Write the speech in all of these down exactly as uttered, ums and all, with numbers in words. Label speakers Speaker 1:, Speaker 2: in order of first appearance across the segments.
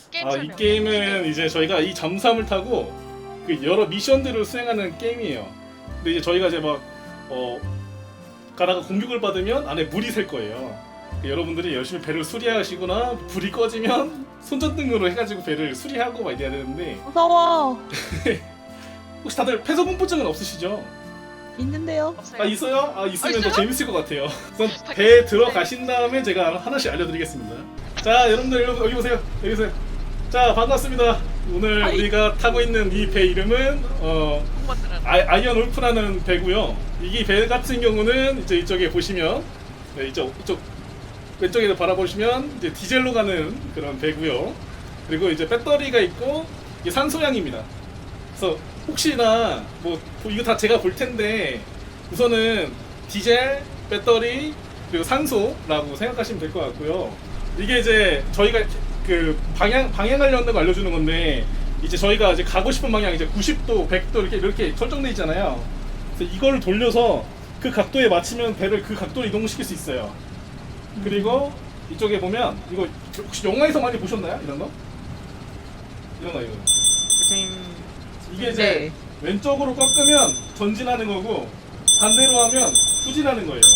Speaker 1: 게임
Speaker 2: 아, 이
Speaker 1: 설명.
Speaker 2: 게임은 이제 저희가 이 잠수함을 타고 그 여러 미션들을 수행하는 게임이에요. 근데 이제 저희가 이제 막 어, 가다가 공격을 받으면 안에 물이 셀 거예요. 그 여러분들이 열심히 배를 수리하시거나 불이 꺼지면 손전등으로 해가지고 배를 수리하고 막 이래야 되는데
Speaker 3: 무서워.
Speaker 2: 혹시 다들 폐소공포증은 없으시죠?
Speaker 3: 있는데요.
Speaker 1: 없어요.
Speaker 2: 아 있어요? 아 있으면
Speaker 1: 아,
Speaker 2: 더
Speaker 1: 있어요?
Speaker 2: 재밌을 것 같아요. 우선 배에 들어가신 다음에 제가 하나씩 알려드리겠습니다. 자 여러분들 여기, 여기 보세요. 여기 보세요. 자 반갑습니다. 오늘
Speaker 3: 아이.
Speaker 2: 우리가 타고 있는 이 배 이름은 어,
Speaker 1: 공무원들은
Speaker 2: 아, 아이언 울프라는 배고요. 이 배 같은 경우는 이제 이쪽에 보시면 네, 이쪽 이쪽 왼쪽에서 바라보시면 이제 디젤로 가는 그런 배고요. 그리고 이제 배터리가 있고 이게 산소량입니다. 그래서 혹시나 뭐 이거 다 제가 볼 텐데 우선은 디젤, 배터리 그리고 산소라고 생각하시면 될 것 같고요. 이게 이제 저희가 그 방향 방향하려는 거 알려주는 건데 이제 저희가 이제 가고 싶은 방향 이제 구십 도, 백 도 이렇게 이렇게 설정돼 있잖아요. 그래서 이걸 돌려서 그 각도에 맞추면 배를 그 각도로 이동시킬 수 있어요. 그리고 이쪽에 보면 이거 혹시 영화에서 많이 보셨나요? 이런 거? 이런 거 이거. 이게 이제
Speaker 3: 네.
Speaker 2: 왼쪽으로 꺾으면 전진하는 거고 반대로 하면 후진하는 거예요.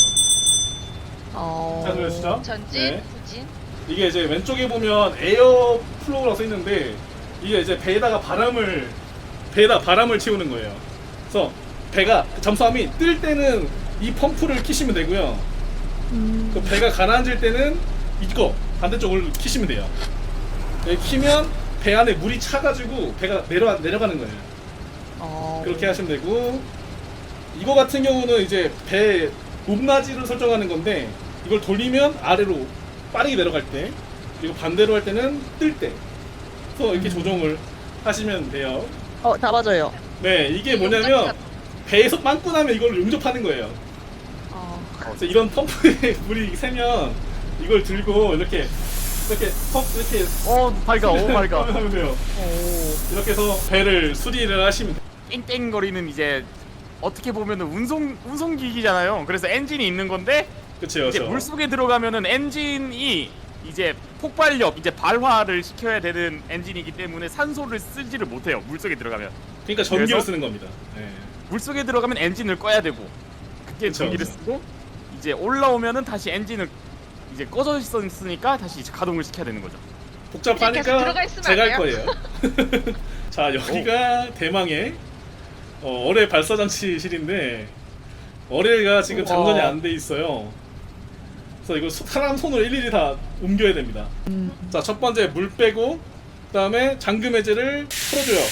Speaker 3: 어.
Speaker 2: 잘 들으시죠?
Speaker 1: 전진,
Speaker 2: 네.
Speaker 1: 후진.
Speaker 2: 이게 이제 왼쪽에 보면 에어 플로우라고 써 있는데 이게 이제 배에다가 바람을 배에다 바람을 채우는 거예요. 그래서 배가 잠수함이 뜰 때는 이 펌프를 키시면 되고요.
Speaker 3: 음.
Speaker 2: 그 배가 가라앉을 때는 이거 반대쪽을 키시면 돼요. 여기 키면 배 안에 물이 차가지고 배가 내려 내려가는 거예요.
Speaker 3: 어.
Speaker 2: 그렇게 하시면 되고 이거 같은 경우는 이제 배 높낮이를 설정하는 건데 이걸 돌리면 아래로 빠르게 내려갈 때 그리고 반대로 할 때는 뜰 때 그래서 이렇게 조정을 하시면 돼요.
Speaker 3: 어, 다 맞아요.
Speaker 2: 네 이게 뭐냐면 배에서 빵꾸 나면 이걸 용접하는 거예요.
Speaker 3: 어.
Speaker 2: 그래서 이런 펌프에 물이 새면 이걸 들고 이렇게 이렇게 펌프 이렇게
Speaker 4: 어 밝아 오 밝아
Speaker 2: 하면 돼요.
Speaker 4: 오
Speaker 2: 이렇게 해서 배를 수리를 하시면 돼요.
Speaker 4: 땡땡거리는 이제 어떻게 보면은 운송 운송기기잖아요. 그래서 엔진이 있는 건데
Speaker 2: 그쵸
Speaker 4: 이제
Speaker 2: 그쵸.
Speaker 4: 물속에 들어가면은 엔진이 이제 폭발력 이제 발화를 시켜야 되는 엔진이기 때문에 산소를 쓰지를 못해요. 물속에 들어가면
Speaker 2: 그러니까 전기를
Speaker 4: 그래서?
Speaker 2: 쓰는 겁니다. 네.
Speaker 4: 물속에 들어가면 엔진을 꺼야 되고 그때
Speaker 2: 그쵸,
Speaker 4: 전기를
Speaker 2: 그쵸.
Speaker 4: 쓰고 이제 올라오면은 다시 엔진을 이제 꺼져 있었으니까 다시 이제 가동을 시켜야 되는 거죠.
Speaker 1: 계속
Speaker 2: 복잡하니까
Speaker 1: 들어가 있으면
Speaker 2: 제가
Speaker 1: 안
Speaker 2: 할 거예요. 자 여기가 대망의 어, 어뢰 발사 장치실인데 어뢰가 지금 장전이
Speaker 3: 우와.
Speaker 2: 안 돼 있어요. 그래서 이거 소- 사람 손으로 일일이 다 옮겨야 됩니다.
Speaker 3: 음.
Speaker 2: 자 첫 번째 물 빼고 그다음에 잠금 해제를 풀어줘요.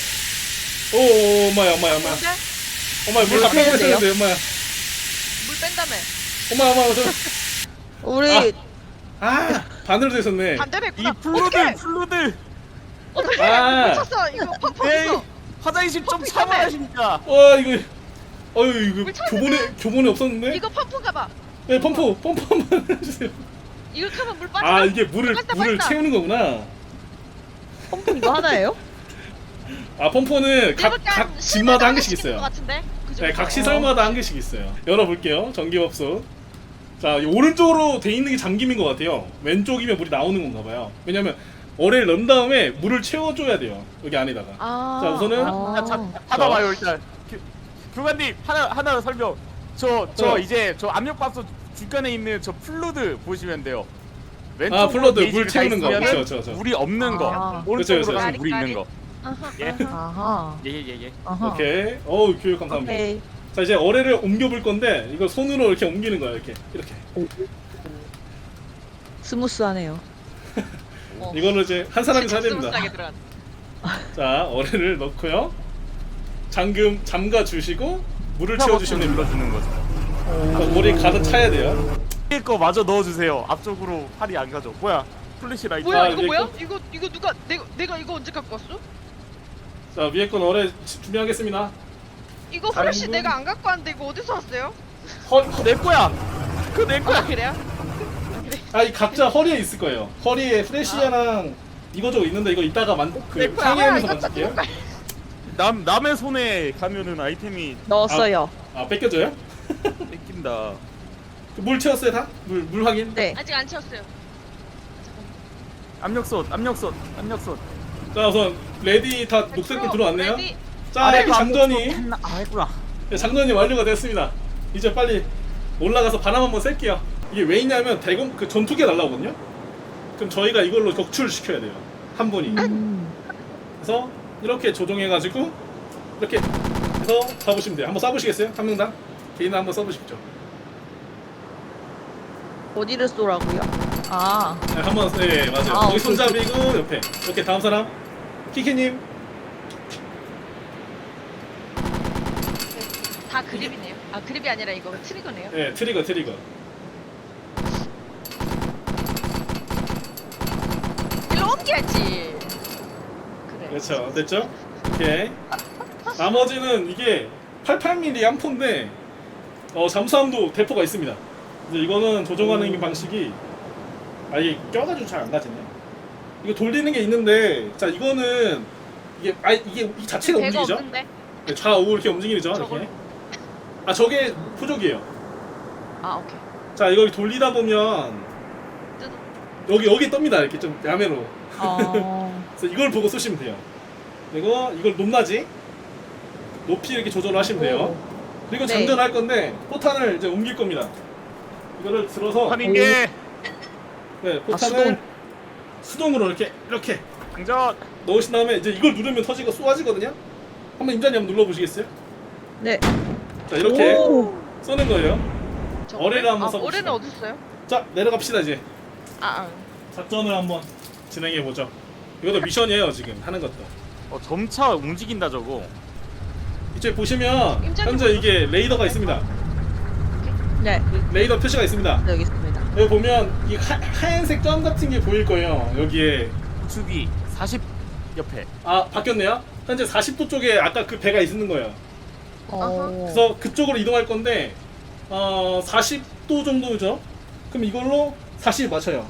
Speaker 2: 오 엄마야 엄마야 엄마야
Speaker 1: 근데
Speaker 2: 엄마야 물
Speaker 3: 물
Speaker 2: 다 빼고
Speaker 3: 빼야 돼요?
Speaker 2: 있었는데 엄마야
Speaker 1: 물 뺀다며.
Speaker 2: 엄마야 엄마야 저
Speaker 3: 우리
Speaker 2: 아 반대로 돼 있었네.
Speaker 1: 반대로
Speaker 4: 이
Speaker 1: 했구나.
Speaker 4: 플루들 플루들
Speaker 1: 어떻게?
Speaker 2: 아.
Speaker 1: 묻혔어. 이거 펌프
Speaker 4: 에이
Speaker 1: 없어.
Speaker 4: 화장실 좀
Speaker 1: 펌프
Speaker 4: 참아하시니까
Speaker 2: 와 이거 어유 이거
Speaker 1: 물 차는데?
Speaker 2: 교본에 교본에 없었는데?
Speaker 1: 이거 펌프인가 봐.
Speaker 2: 네 펌프 펌프 한번 해주세요.
Speaker 1: 이거 켜면 물 빠져.
Speaker 2: 아 이게 물을
Speaker 1: 빠진다,
Speaker 2: 물을
Speaker 1: 빠진다.
Speaker 2: 채우는 거구나.
Speaker 3: 펌프 이거 하나예요?
Speaker 2: 아 펌프는 각,
Speaker 1: 이렇게
Speaker 2: 각
Speaker 1: 한
Speaker 2: 집마다 한 개씩
Speaker 1: 있는 것
Speaker 2: 있어요.
Speaker 1: 같은데? 그죠?
Speaker 2: 네, 각 시설마다 한 개씩 있어요. 열어볼게요. 전기밥솥. 자, 이 오른쪽으로 돼 있는 게 잠김인 것 같아요. 왼쪽이면 물이 나오는 건가 봐요. 왜냐면 어뢰를 넣은 다음에 물을 채워줘야 돼요. 여기 안에다가.
Speaker 1: 아.
Speaker 2: 자, 우선은
Speaker 3: 아.
Speaker 4: 자, 자, 받아봐요 일단. 교, 교관님 하나 하나 설명. 저 저
Speaker 2: 어.
Speaker 4: 이제 저 압력밥솥 주변에 있는 저 플루드 보시면 돼요.
Speaker 2: 아, 플루드, 물
Speaker 4: 게이지가
Speaker 2: 채우는 거.
Speaker 4: 있으면은
Speaker 2: 그쵸, 그쵸, 그쵸.
Speaker 4: 물이 없는 거.
Speaker 3: 아.
Speaker 4: 오른쪽으로
Speaker 2: 그쵸, 그쵸.
Speaker 4: 가면 물이 있는 거.
Speaker 1: 아하,
Speaker 4: 예.
Speaker 1: 아하.
Speaker 3: 아하.
Speaker 4: 예예예 예.
Speaker 3: 아하.
Speaker 2: 오케이. 어우, 교육 감사합니다.
Speaker 3: 오케이.
Speaker 2: 자, 이제 어뢰를 옮겨볼 건데 이거 손으로 이렇게 옮기는 거야. 이렇게. 이렇게.
Speaker 3: 스무스하네요.
Speaker 1: 어.
Speaker 2: 이거는 이제 한 사람이 사야
Speaker 1: 진짜
Speaker 2: 됩니다.
Speaker 1: 스무스하게 들어갔네.
Speaker 2: 자, 어뢰를 넣고요. 잠금 잠가 주시고 물을
Speaker 4: 채워
Speaker 2: 채워주시면 됩니다.
Speaker 4: 눌러주는 거죠.
Speaker 2: 자, 물이 가득 차야 돼요.
Speaker 4: 위에 거 마저 넣어주세요. 앞쪽으로 팔이 안 가죠. 뭐야? 플래시 라이트.
Speaker 1: 뭐야
Speaker 2: 아,
Speaker 1: 이거
Speaker 2: 이제
Speaker 1: 뭐야? 이거 이거 누가 내가 내가 이거 언제 갖고 왔어?
Speaker 2: 자, 위에 건 어뢰 지- 준비하겠습니다.
Speaker 1: 이거 플래시
Speaker 2: 다른 분?
Speaker 1: 내가 안 갖고 왔는데 이거 어디서 왔어요?
Speaker 2: 허,
Speaker 4: 그거 내 거야. 그거 내
Speaker 1: 아
Speaker 4: 거야.
Speaker 1: 그래요? 아, 그래.
Speaker 2: 아, 이 각자 허리에 있을 거예요. 허리에 프레시아랑 이거 저거 있는데 이거 이따가 만, 그
Speaker 4: 내 거야.
Speaker 2: 상의하면서
Speaker 1: 아, 이거
Speaker 2: 만질게요.
Speaker 4: 남 남의 손에 가면은 아이템이
Speaker 3: 넣었어요.
Speaker 2: 아, 뺏겨줘요?
Speaker 4: 뺏긴다.
Speaker 2: 물 채웠어요 다? 물, 물 확인?
Speaker 3: 네.
Speaker 1: 아직 안 채웠어요.
Speaker 4: 압력솥 압력솥 압력솥.
Speaker 2: 자 우선 레디 다 녹색불 들어왔네요.
Speaker 1: 레디.
Speaker 2: 자
Speaker 4: 아래
Speaker 2: 장전이
Speaker 4: 했나? 아 했구나.
Speaker 2: 네, 장전이 완료가 됐습니다. 이제 빨리 올라가서 바람 한번 쐴게요. 이게 왜 있냐면 대공 그 전투기가 날라오거든요. 그럼 저희가 이걸로 격추를 시켜야 돼요. 한 분이.
Speaker 3: 음.
Speaker 2: 그래서 이렇게 조종해가지고 이렇게 해서 쏴보시면 돼요. 한번 쏴보시겠어요? 한 명당? 개인 한번 쏴보십시오.
Speaker 3: 어디를 쏘라고요? 아,
Speaker 2: 네, 한번 네 맞아요.
Speaker 3: 아,
Speaker 2: 여기
Speaker 3: 오케이,
Speaker 2: 손잡이고 옆에. 오케이 다음 사람 키키님.
Speaker 1: 다 그립이네요. 아 그립이 아니라 이거 트리거네요.
Speaker 2: 네 트리거 트리거.
Speaker 1: 일로 옮겨야지. 그래.
Speaker 2: 그렇죠. 됐죠? 오케이. 나머지는 이게 팔십팔 밀리미터 암포인데 어, 잠수함도 대포가 있습니다. 이제 이거는 조종하는
Speaker 3: 오.
Speaker 2: 방식이 아 이게 껴가지고 잘 안 가지네. 이거 돌리는 게 있는데 자 이거는 이게 아 이게 이 자체가
Speaker 1: 배가
Speaker 2: 움직이죠?
Speaker 1: 없는데?
Speaker 2: 네, 좌우 이렇게 움직이죠.
Speaker 1: 저걸?
Speaker 2: 이렇게. 아 저게 부족이에요.
Speaker 1: 아 오케이.
Speaker 2: 자 이걸 돌리다 보면
Speaker 1: 뜯어.
Speaker 2: 여기 여기 뜹니다. 이렇게 좀 야매로.
Speaker 3: 어,
Speaker 2: 그래서 이걸 보고 쏘시면 돼요. 그리고 이걸 높낮이 높이 이렇게 조절을 하시면 돼요. 그리고
Speaker 3: 네.
Speaker 2: 장전할 건데 포탄을 이제 옮길 겁니다. 이거를 들어서
Speaker 4: 하는 게
Speaker 2: 네, 포탄을
Speaker 3: 수동.
Speaker 2: 수동으로 이렇게 이렇게
Speaker 4: 장전.
Speaker 2: 넣으신 다음에 이제 이걸 누르면 터지고 쏘아지거든요. 한번 임자님 한번 눌러보시겠어요?
Speaker 3: 네.
Speaker 2: 자 이렇게
Speaker 3: 오.
Speaker 2: 쏘는 거예요.
Speaker 1: 저거를?
Speaker 2: 어뢰를 한번
Speaker 1: 아,
Speaker 2: 써봅시다.
Speaker 1: 어뢰는 어딨어요?
Speaker 2: 자 내려갑시다 이제.
Speaker 1: 아, 아.
Speaker 2: 작전을 한번 진행해 보죠. 이것도 미션이에요 지금 하는 것도.
Speaker 4: 어 점차 움직인다 저거.
Speaker 2: 이쪽에 보시면
Speaker 1: 임자님
Speaker 2: 현재 이게 레이더가 있습니다.
Speaker 3: 네,
Speaker 2: 레이더 표시가 있습니다.
Speaker 3: 네, 여기 있습니다.
Speaker 2: 여기 보면 이 하, 하얀색 점 같은 게 보일 거예요. 여기에
Speaker 4: 우측이 사십 옆에.
Speaker 2: 아 바뀌었네요. 현재 사십 도 쪽에 아까 그 배가 있는 거예요.
Speaker 3: 어,
Speaker 2: 그래서 그쪽으로 이동할 건데 어 사십 도 정도죠. 그럼 이걸로 사십 맞춰요.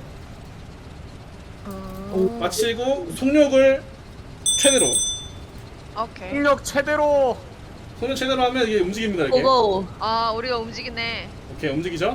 Speaker 3: 오.
Speaker 2: 맞히고 속력을 최대로.
Speaker 1: 오케이.
Speaker 4: 폭력 최대로.
Speaker 2: 속력 최대로 하면 이게 움직입니다. 이렇게.
Speaker 3: 고고.
Speaker 1: 아 우리가 움직이네.
Speaker 2: 오케이 움직이죠.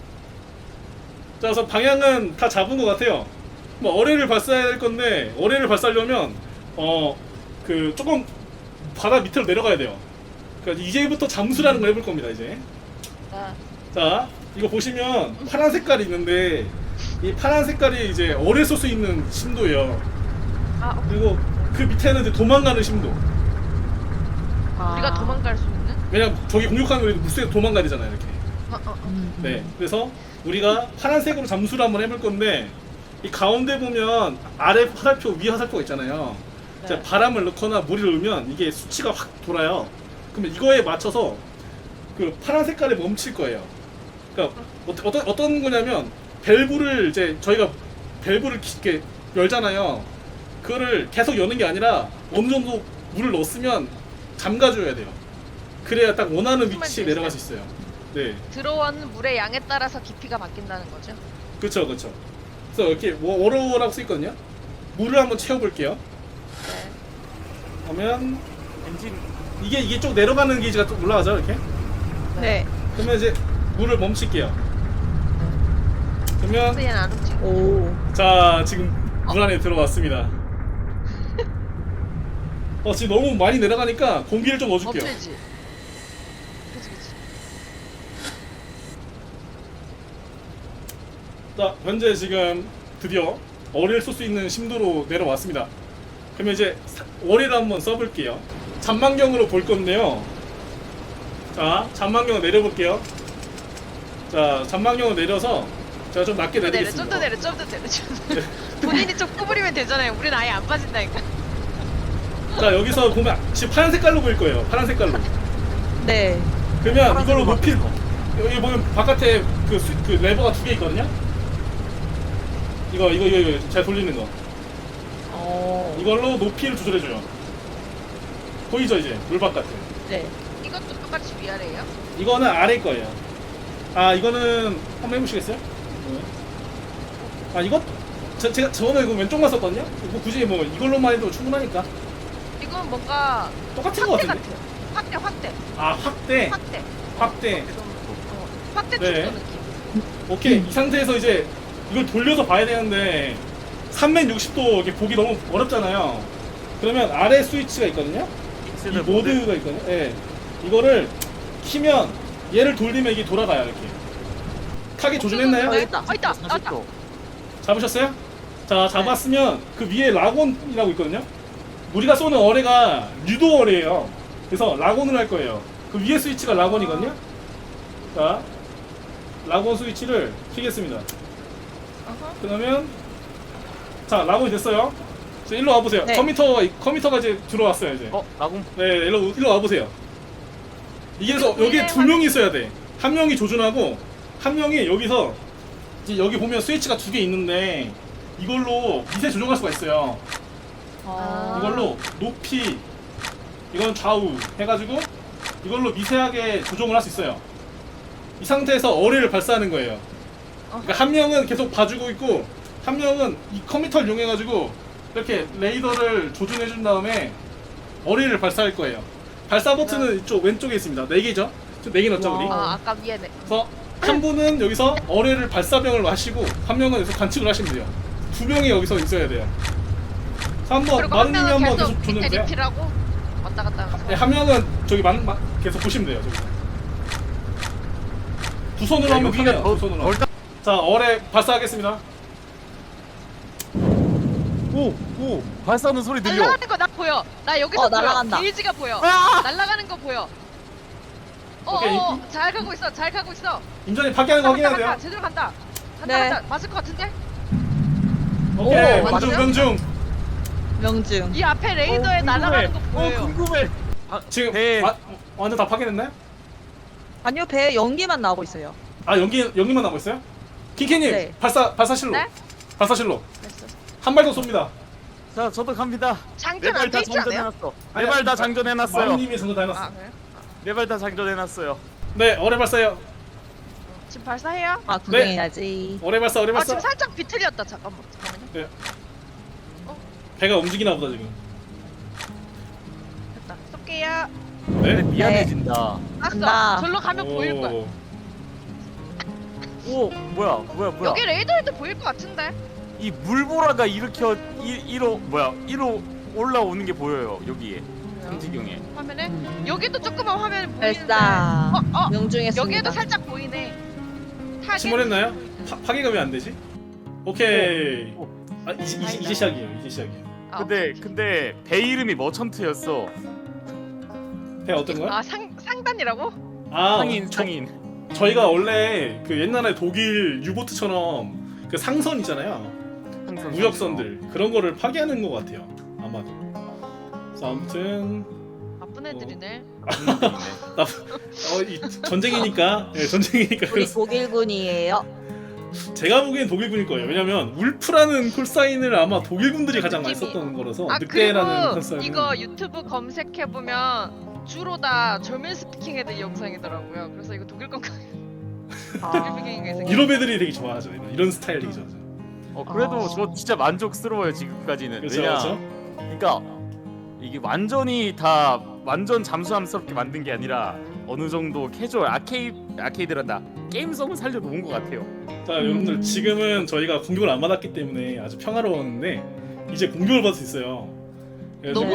Speaker 2: 자 그래서 방향은 다 잡은 것 같아요. 뭐 어뢰를 발사할 건데 어뢰를 발사하려면 어 그 조금 바다 밑으로 내려가야 돼요. 그러니까 이제부터 잠수라는 걸 해볼 겁니다 이제.
Speaker 1: 자,
Speaker 2: 자 이거 보시면 파란 색깔이 있는데 이 파란 색깔이 이제 어뢰 쏠 수 있는 심도예요.
Speaker 1: 아 오케이.
Speaker 2: 그리고 그 밑에는 이제 도망가는 심도.
Speaker 3: 아.
Speaker 1: 우리가 도망갈 수 있는?
Speaker 2: 왜냐면 저기 공격하는 거 물속에 도망가야 되잖아요 이렇게.
Speaker 1: 어, 어, 어.
Speaker 3: 음.
Speaker 2: 네, 그래서 우리가 파란색으로 잠수를 한번 해볼 건데 이 가운데 보면 아래 화살표, 위 화살표가 있잖아요.
Speaker 1: 네.
Speaker 2: 자, 바람을 넣거나 물을 넣으면 이게 수치가 확 돌아요. 그러면 이거에 맞춰서 그 파란 색깔에 멈출 거예요. 그러니까 어, 어떤 어떤 거냐면 밸브를 이제 저희가 밸브를 이렇게 열잖아요. 그거를 계속 여는 게 아니라 어느 정도 물을 넣었으면 잠가줘야 돼요. 그래야 딱 원하는
Speaker 1: 무슨
Speaker 2: 위치에
Speaker 1: 말인지
Speaker 2: 내려갈 수 있어요. 네.
Speaker 1: 들어온 물의 양에 따라서 깊이가 바뀐다는 거죠?
Speaker 2: 그쵸 그쵸. 그래서 이렇게 워- 워로라고 써있거든요. 물을 한번 채워볼게요.
Speaker 1: 네.
Speaker 2: 그러면
Speaker 4: 엔진
Speaker 2: 이게 이게 쭉 내려가는 게이지가 좀 올라가죠 이렇게.
Speaker 3: 네.
Speaker 2: 그러면 이제 물을 멈출게요. 그러면
Speaker 1: 근데 얘는 안 움직여.
Speaker 3: 오.
Speaker 2: 자 지금 물 안에 들어왔습니다. 어 지금 너무 많이 내려가니까 공기를 좀 넣어줄게요.
Speaker 1: 없애지. 그치 그치.
Speaker 2: 자 현재 지금 드디어 어뢰를 쏠 수 있는 심도로 내려왔습니다. 그러면 이제 사- 어뢰를 한번 써볼게요. 잔망경으로 볼 건데요. 자 잔망경을 내려볼게요. 자 잔망경을 내려서 제가 좀 낮게
Speaker 1: 좀 더 내려,
Speaker 2: 내리겠습니다.
Speaker 1: 좀 더 내려, 좀 더 내려, 좀 더 내려. 본인이 좀 구부리면 되잖아요. 우린 아예 안 빠진다니까.
Speaker 2: 자 여기서 보면 지금 파란 색깔로 보일 거예요. 파란 색깔로.
Speaker 3: 네.
Speaker 2: 그러면 이걸로
Speaker 4: 파란색으로
Speaker 2: 높이
Speaker 4: 바뀌었어.
Speaker 2: 여기 보면 바깥에 그, 수- 그 레버가 두 개 있거든요. 이거 이거 이거, 이거 잘 돌리는 거.
Speaker 3: 어.
Speaker 2: 이걸로 높이를 조절해줘요. 보이죠 이제 물 바깥에.
Speaker 3: 네.
Speaker 1: 이것도 똑같이 위아래예요?
Speaker 2: 이거는 아래 거예요. 아 이거는 한번 해보시겠어요? 아 이거 저, 제가 저는 이거 왼쪽만 썼거든요. 뭐 굳이 뭐 이걸로만 해도 충분하니까
Speaker 1: 이건 뭔가
Speaker 2: 똑같은 거
Speaker 1: 확대
Speaker 2: 같은데.
Speaker 1: 같아요. 확대, 확대,
Speaker 2: 아 확대,
Speaker 1: 확대.
Speaker 2: 확대.
Speaker 1: 좀, 어, 확대
Speaker 2: 네.
Speaker 1: 축소 느낌.
Speaker 2: 오케이 이 상태에서 이제 이걸 돌려서 봐야 되는데 삼백육십 도 이렇게 보기 너무 어렵잖아요. 그러면 아래 스위치가 있거든요. 이
Speaker 4: 엑스는 모드.
Speaker 2: 모드가 있거든요. 예. 이거를 키면 얘를 돌리면 이게 돌아가요. 이렇게. 타겟 조준했나요?
Speaker 3: 어, 여기 있다.
Speaker 1: 어 있다
Speaker 4: 사십
Speaker 1: 나왔다.
Speaker 4: 도.
Speaker 2: 잡으셨어요? 자, 잡았으면 그 위에 라곤이라고 있거든요. 우리가 쏘는 어뢰가 유도 어뢰예요. 그래서 라곤을 할 거예요. 그 위에 스위치가 라곤이거든요. 자, 라곤 스위치를 키겠습니다.
Speaker 1: 어허.
Speaker 2: 그러면 자, 라곤이 됐어요. 자, 일로 와보세요.
Speaker 3: 네.
Speaker 2: 컴퓨터가 컴퓨터가 이제 들어왔어요 이제.
Speaker 4: 어 라공.
Speaker 2: 네, 일로 일로 와보세요. 이게 그래서 여기에 두 명이 있어야 돼. 한 명이 조준하고 한 명이 여기서 이제 여기 보면 스위치가 두 개 있는데 이걸로 미세 조정할 수가 있어요.
Speaker 3: 아.
Speaker 2: 이걸로 높이, 이건 좌우 해가지고 이걸로 미세하게 조정을 할 수 있어요. 이 상태에서 어뢰를 발사하는 거예요. 그러니까 한 명은 계속 봐주고 있고 한 명은 이 컴퓨터를 이용해가지고 이렇게 레이더를 조준해준 다음에 어뢰를 발사할 거예요. 발사 버튼은 이쪽 왼쪽에 있습니다. 네 개죠? 네 개 넣었죠 우리?
Speaker 3: 와.
Speaker 1: 아 아까 위에네.
Speaker 2: 그래서 한 분은 여기서 어뢰를 발사병을 하시고 한 명은 여기서 관측을 하시면 돼요. 두 명이 여기서 있어야 돼요. 그래서 한번
Speaker 1: 그리고 한
Speaker 2: 마루님이
Speaker 1: 명은
Speaker 2: 한번
Speaker 1: 계속
Speaker 2: 계속
Speaker 1: 밑에
Speaker 2: 조준해주세요.
Speaker 1: 리필하고 왔다 갔다 하면서.
Speaker 2: 네, 한 명은 저기 만, 만, 계속 보시면 돼요. 저기. 두 손으로 하면 편해요. 두 손으로.
Speaker 4: 덜
Speaker 2: 자, 어뢰 발사하겠습니다.
Speaker 4: 오오 발사하는 소리 들려.
Speaker 1: 날아가는 거 나 보여. 나 여기서
Speaker 3: 어,
Speaker 1: 보여.
Speaker 3: 날아간다.
Speaker 1: 게이지가 보여.
Speaker 4: 아!
Speaker 1: 날아가는 거 보여.
Speaker 2: 오케이.
Speaker 1: 어어 잘 가고 있어. 잘 가고 있어.
Speaker 2: 임전이 파괴하는 거
Speaker 1: 간다,
Speaker 2: 확인해야 돼요.
Speaker 1: 간다. 제대로 간다. 간다
Speaker 3: 네.
Speaker 1: 간다. 맞을 것 같은데?
Speaker 2: 오케이.
Speaker 3: 오,
Speaker 2: 명중,
Speaker 1: 맞죠?
Speaker 2: 명중.
Speaker 3: 명중.
Speaker 1: 이 앞에 레이더에
Speaker 4: 어,
Speaker 1: 날아가는 거
Speaker 4: 궁금해.
Speaker 1: 보여요.
Speaker 4: 어 궁금해. 아,
Speaker 2: 지금
Speaker 4: 배.
Speaker 2: 와, 완전 다 파괴됐나요?
Speaker 3: 아니요, 배에 연기만 나오고 있어요.
Speaker 2: 아, 연기, 연기만 남고 있어요? 킹키님,
Speaker 3: 네.
Speaker 2: 발사, 발사실로.
Speaker 1: 네?
Speaker 2: 발사실로.
Speaker 1: 됐어.
Speaker 2: 한 발 더 쏩니다.
Speaker 4: 자 저도 갑니다.
Speaker 1: 장전
Speaker 4: 네 발 다
Speaker 1: 안돼 있지 않아요?
Speaker 4: 장전해놨어.
Speaker 2: 아니,
Speaker 4: 네 발 다
Speaker 2: 마-
Speaker 4: 장전해놨어요.
Speaker 2: 마루님이 전부 다 해놨어.
Speaker 1: 아 그래요?
Speaker 4: 네 발 다 장전해놨어요.
Speaker 2: 네, 어뢰 발사요.
Speaker 1: 지금 발사해요?
Speaker 3: 아, 구경해야지.
Speaker 2: 어뢰 발사, 어뢰
Speaker 1: 아
Speaker 2: 발사.
Speaker 1: 지금 살짝 비틀렸다. 잠깐만 잠깐만요.
Speaker 2: 네. 배가 움직이나 보다 지금.
Speaker 1: 됐다. 쏠게요.
Speaker 4: 근데
Speaker 2: 네.
Speaker 4: 미안해진다.
Speaker 1: 았어.
Speaker 3: 간다.
Speaker 1: 절로 가면 보일 거야.
Speaker 4: 오 뭐야 뭐야 뭐야.
Speaker 1: 여기 레이더에도 보일 것 같은데?
Speaker 4: 이 물보라가 일으켜 일 일로 뭐야 일로 올라오는 게 보여요 여기에 삼지경에.
Speaker 1: 화면에 여기도 조그만 화면에 보이는데.
Speaker 3: 발사.
Speaker 1: 어, 어.
Speaker 3: 명중했습니다.
Speaker 1: 여기에도 살짝 보이네. 타겟.
Speaker 2: 침몰했나요? 파, 파괴가 왜 안 되지? 오케이.
Speaker 4: 오,
Speaker 2: 아 이제, 이제, 이제 시작이에요. 이제 시작이에요.
Speaker 1: 아,
Speaker 4: 근데
Speaker 1: 오케이.
Speaker 4: 근데 배 이름이 머천트였어.
Speaker 2: 배 어떤 거야?
Speaker 1: 아 상 상단이라고?
Speaker 2: 아,
Speaker 4: 상인
Speaker 2: 저,
Speaker 4: 상인.
Speaker 2: 저희가 원래 그 옛날에 독일 유보트처럼 그 상선 있잖아요.
Speaker 4: 항상
Speaker 2: 무역선들 그런 거를 파괴하는 것 같아요. 아마도. 그래서 아무튼
Speaker 1: 나쁜 애들이네.
Speaker 2: 나, 어, 이 전쟁이니까, 예, 전쟁이니까
Speaker 3: 우리
Speaker 2: 그래서
Speaker 3: 독일군이에요.
Speaker 2: 제가 보기엔 독일군일 거예요. 왜냐면 울프라는 콜사인을 아마 독일군들이 가장 많이
Speaker 1: 느낌이.
Speaker 2: 썼던 거라서
Speaker 1: 아
Speaker 2: 늑대라는
Speaker 1: 그리고
Speaker 2: 콜사인은
Speaker 1: 이거 유튜브 검색해 보면 주로 다 저밀 스피킹 애들 영상이더라고요. 그래서 이거 독일 건가? 독일 배경인가 해서.
Speaker 2: 유럽 애들이 되게 좋아하죠. 이런, 이런 스타일 되게 좋아하죠.
Speaker 4: 어 그래도
Speaker 3: 아.
Speaker 4: 저 진짜 만족스러워요 지금까지는.
Speaker 2: 그렇죠,
Speaker 4: 왜냐?
Speaker 2: 그렇죠.
Speaker 4: 그러니까 이게 완전히 다 완전 잠수함스럽게 만든 게 아니라 어느 정도 캐주얼 아케이 아케이드란다 게임성을 살려놓은 것 같아요.
Speaker 2: 자, 여러분들 지금은 저희가 공격을 안 받았기 때문에 아주 평화로웠는데 이제 공격을 받을 수 있어요. 그래서
Speaker 1: 너무